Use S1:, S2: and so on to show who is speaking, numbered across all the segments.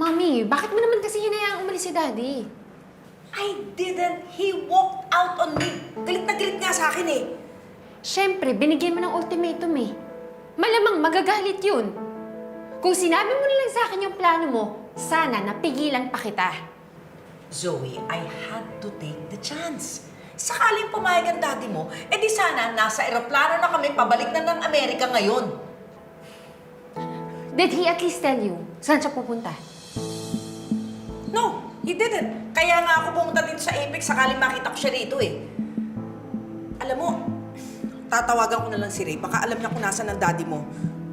S1: Mami, bakit mo naman kasi hinayaang umalis si Daddy?
S2: I didn't. He walked out on me. Galit na galit nga sa akin eh.
S1: Siyempre, binigyan mo ng ultimatum eh. Malamang magagalit yun. Kung sinabi mo na lang sa akin yung plano mo, sana napigilan pa kita.
S2: Zoe, I had to take the chance. Sakaling pumayag ang daddy mo, edi sana nasa eroplano na kami pabalik na ng Amerika ngayon.
S1: Did he at least tell you saan siya pupunta?
S2: No, he didn't. Kaya nga ako pumunta dito sa Apex sakaling makita ko siya rito eh. Alam mo, tatawagan ko na lang si Ray. Baka alam niya kung nasaan ang daddy mo.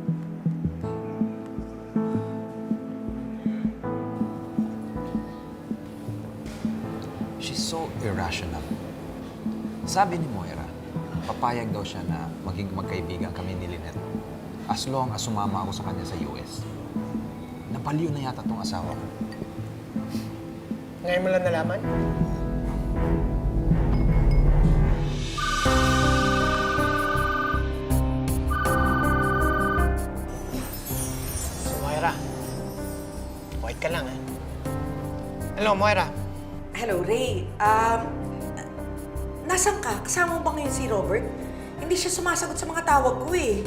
S3: She's so irrational. Sabi ni Moira, papayag daw siya na maging magkaibigan kami ni Lynette as long as sumama ako sa kanya sa US. Napaliw na yata tong asawa ko.
S4: Ngayon mo lang nalaman? So, Moira. Wait ka lang, ha? Hello, Moira.
S2: Hello, Ray. Nasaan ka? Kasama mo ba ngayon si Robert? Hindi siya sumasagot sa mga tawag ko eh.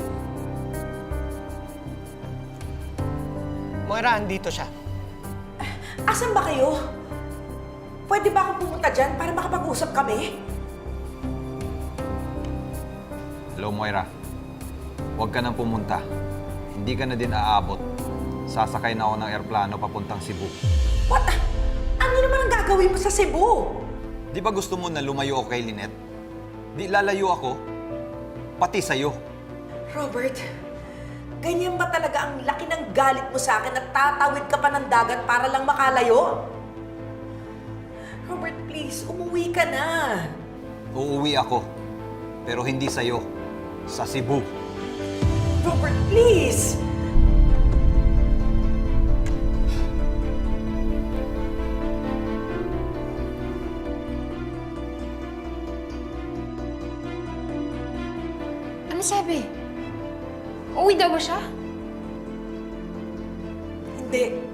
S4: Moira, andito siya.
S2: Asan ba kayo? Pwede ba akong pumunta dyan para makapag-usap kami?
S3: Hello, Moira. Huwag ka nang pumunta. Hindi ka na din aabot. Sasakay na ako ng eroplano papuntang Cebu.
S2: What? Ano naman ang gagawin mo sa Cebu?
S3: Di ba gusto mo na lumayo ako kay Lynette? Di lalayo ako, pati sa'yo.
S2: Robert, ganyan ba talaga ang laki ng galit mo sa akin at tatawid ka pa ng dagat para lang makalayo? Robert, please, umuwi ka na.
S3: Uuwi ako, pero hindi sa'yo. Sa Cebu.
S2: Robert, please!
S1: Ano sabi? Uwi daw ba siya?
S2: Hindi.